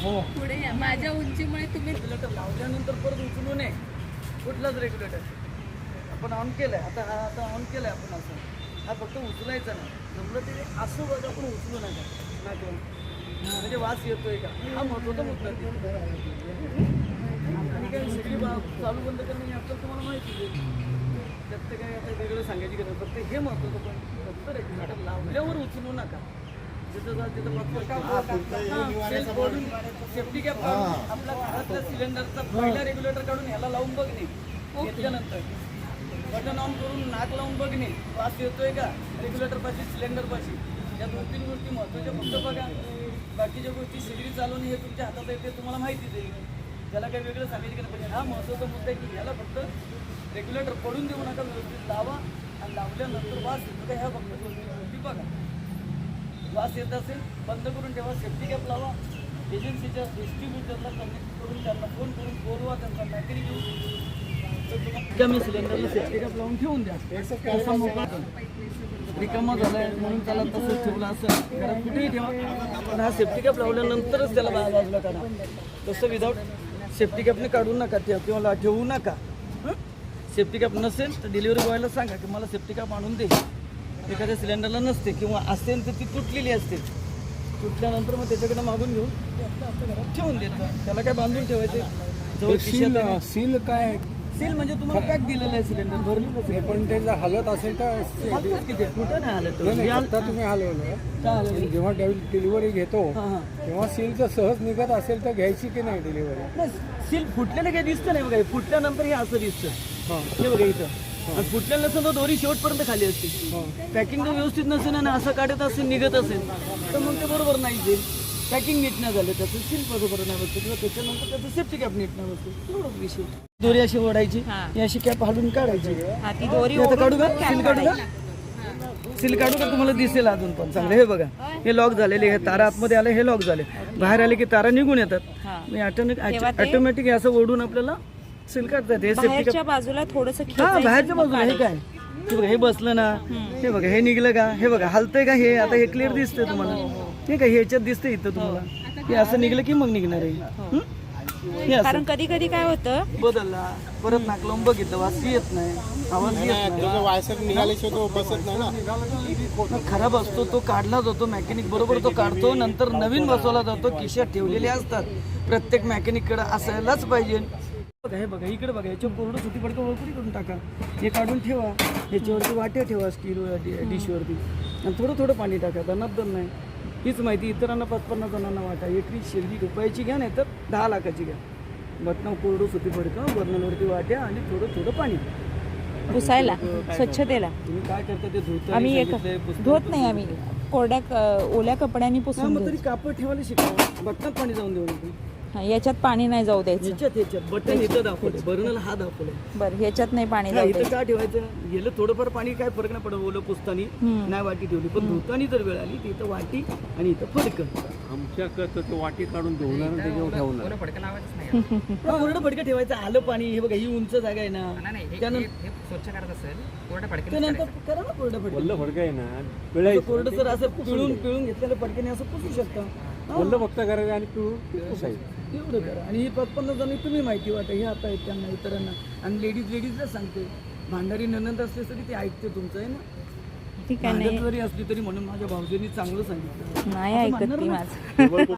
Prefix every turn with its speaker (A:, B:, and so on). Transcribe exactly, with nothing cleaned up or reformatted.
A: हो
B: पुढे या. माझ्या उंचीमुळे तुम्ही
A: रेग्युलेटर लावल्यानंतर परत उचलू नये कुठलाच रेग्युलेटर. आपण ऑन केलंय आता, हा आता ऑन केलंय आपण असं, हा फक्त उचलायचा नाही. जमलं ते असं बघा पण उचलू नका नाकून, म्हणजे वास येतोय का हा महत्त्वाचा मुद्दा आहे. आणि काही सगळी बा चालू बंद करणं हे आपल्याला तुम्हाला माहिती आहे. त्यात ते काही आता वेगळं सांगायची गरज फक्त हे महत्त्वाचं. पण फक्त रेग्युलेटर लावल्यावर उचलू नका. जिथं जा तिथं सेफ्टी कॅप काढून आपल्या घरातल्या सिलेंडरचा पहिला रेग्युलेटर काढून ह्याला लावून बघणे. घेतल्यानंतर बटन ऑन करून नाक लावून बघणे वास येतोय का रेग्युलेटर पाशी सिलेंडर पाशी. या दोन तीन गोष्टी महत्त्वाच्या. फक्त बघा बाकीच्या गोष्टी सगळी चालवणे हे तुमच्या हातात आहे, ते तुम्हाला माहितीच आहे. त्याला काही वेगळं सांगायची गरज नाही. हा महत्त्वाचा मुद्दा आहे की ह्याला फक्त रेग्युलेटर पडून देऊ नका, व्यवस्थित लावा. आणि लावल्यानंतर वास येतो का ह्या फक्त दोन तीन गोष्टी बघा. वास येत असेल बंद करून ठेवा. सेफ्टी कॅप लावा. एजन्सीच्या डिस्ट्रीब्युटरला कनेक्ट करून त्यांना फोन करून बोलवा, त्यांचा मॅकॅनिक घेऊन कमी सिलेंडरला सेफ्टी कॅप लावून ठेवून द्या. असा मोकळा रिकामा झालाय म्हणून त्याला तसंच ठेवलं असं घरात कुठेही ठेवा. पण हा सेफ्टी कॅप लावल्यानंतरच त्याला बाजूला काढा. तसं विदाऊट सेफ्टी कॅपने काढू नका ते किंवा ठेवू नका. सेफ्टी कॅप नसेल तर डिलिव्हरी बॉयला सांगा की मला सेफ्टी कॅप आणून दे. एखाद्या सिलेंडरला नसते किंवा असेल तर ती तुटलेली असते. तुटल्यानंतर मग त्याच्याकडे मागून घेऊन ते आपल्या आपल्या घरात ठेवून द्यायचं. त्याला काय बांधून ठेवायचे जवळ
C: सील सील काय
A: सील म्हणजे तुम्हाला पॅक दिलेलं आहे सिलेंडर भरलेलं.
C: पण ते जर हलत असेल तर
A: किती कुठं नाही आलं
C: नाही,
A: तर
C: आता तुम्ही हलवलं.
A: काय आलं
C: जेव्हा डिलिव्हरी घेतो
A: हां हां
C: तेव्हा सील जर सहज निघत असेल तर घ्यायची की नाही डिलिव्हरी?
A: नाही सील फुटलेलं काही दिसतं नाही बघा. हे फुटल्यानंतर हे असं दिसतं.
C: हां
A: हे बघा इथं. आणि फुटलेलं नसेल तर दोरी शेवटपर्यंत खाली असते. पॅकिंग जर व्यवस्थित नसेल आणि असं काढत असेल निघत असेल तर मग ते बरोबर नाही जाईल. पॅकिंग नीट नाही झालं त्याचं सील बरोबर नाही बसतं किंवा त्याच्यानंतर त्याचं सेफ्टी कॅप नीट नाही बसतं. एवढंच विषय. दोरी अशी ओढायची, ही अशी कॅप हालून काढायची.
B: ती दोरी
A: आता काढू का सील काढू का सील काढू का तुम्हाला दिसेल अजून पण चांगलं. हे बघा हे लॉक झालेले. हे तारा आतमध्ये आले हे लॉक झाले. बाहेर आले की तारा निघून येतात. मी ऑटोमॅटिक ऑटोमॅटिक असं ओढून आपल्याला सील काढतात. हे सेफ्टी कॅप
B: बाजूला थोडस
A: हा बाहेरच्या बाजूला. हे काय हे बघा हे बसलं ना. हे बघा हे निघलं का हे बघा हलतंय का हे आता हे क्लिअर दिसतंय तुम्हाला. हे काय ह्याच्यात दिसतंय इथं तुम्हाला. हे असं निघलं की मग निघणार आहे. हे असं
B: कारण कधी कधी काय होतं
A: बदलला परत नाक लावून बघितलं वास येत नाही, आवाज येत नाही. खराब असतो तो काढला जातो. मॅकॅनिक बरोबर तो काढतो. नंतर नवीन बसवला जातो. खिशात ठेवलेले असतात. प्रत्येक मॅकॅनिककडे असायलाच पाहिजे. बघा हे बघा इकडे बघा याच्यावर कोरडं सुती पडकं वळकुरी करून टाका. हे काढून ठेवा. याच्यावरती वाट्या ठेवा स्टील डिशवरती आणि थोडं थोडं पाणी टाका. दनादन नाही. हीच माहिती इतरांना पाच पन्नास जणांना वाटा. एकरी शेगडी रुपयाची घ्या नाही तर दहा लाखाची घ्या. बटणं कोरडं सुती पडकं बर्नलवरती वाट्या आणि थोडं थोडं पाणी
B: पुसायला स्वच्छतेला.
A: तुम्ही काय करता ते धुता
B: आम्ही एक धुत नाही. आम्ही कोरड्या ओल्या कपड्याने पुसून
A: मग तरी कापड ठेवायला शिकावं. बटनात पाणी जाऊन देऊ नका.
B: याच्यात पाणी नाही जाऊ द्यायचं.
A: ह्याच्यात ह्याच्यात बटन इथं दाखवले बर्नल हा दाखवले.
B: बरं ह्याच्यात नाही पाणी
A: हा,
B: जाऊ
A: इथं
B: द्यायचं.
A: काय ठेवायचं गेलं थोडंफार पाणी काय फरक नाही पडत. ओलं पुसतानी नाही वाटी ठेवली पण धुतानी जर वेळ आली तर इथं वाटी आणि इथं फडकं.
C: आमच्याकडं ते वाटी काढून धुवणार त्याच्यावर ठेवणार.
A: कोरडं फडकं ठेवायचं. आलं पाणी हे बघा ही उंच जागा आहे ना. त्यानंतर त्यानंतर करा ना कोरडं फडकं.
C: वल्ल फडकं आहे ना
A: असं
C: पिळायचं.
A: कोरडं जर असं पिळून पिळून घेतलेलं फडक्याने असं पुसू शकता.
C: वल्ल फक्त करायचं आणि पिळून पुसायचं.
A: एवढं करा. आणि ही पचपन्न जण तुम्ही माहिती वाटतं हे आता आहेत त्यांना इतरांना. आणि लेडीज लेडीजला सांगते. भांडारी ननंद असले तरी ते ऐकते तुमचं आहे ना.
B: ठीक आहे
A: भांडत
B: नाही
A: जरी असली तरी म्हणून माझ्या भाऊजींनी चांगलं सांगितलं.
B: नाही ऐकत ती माझं.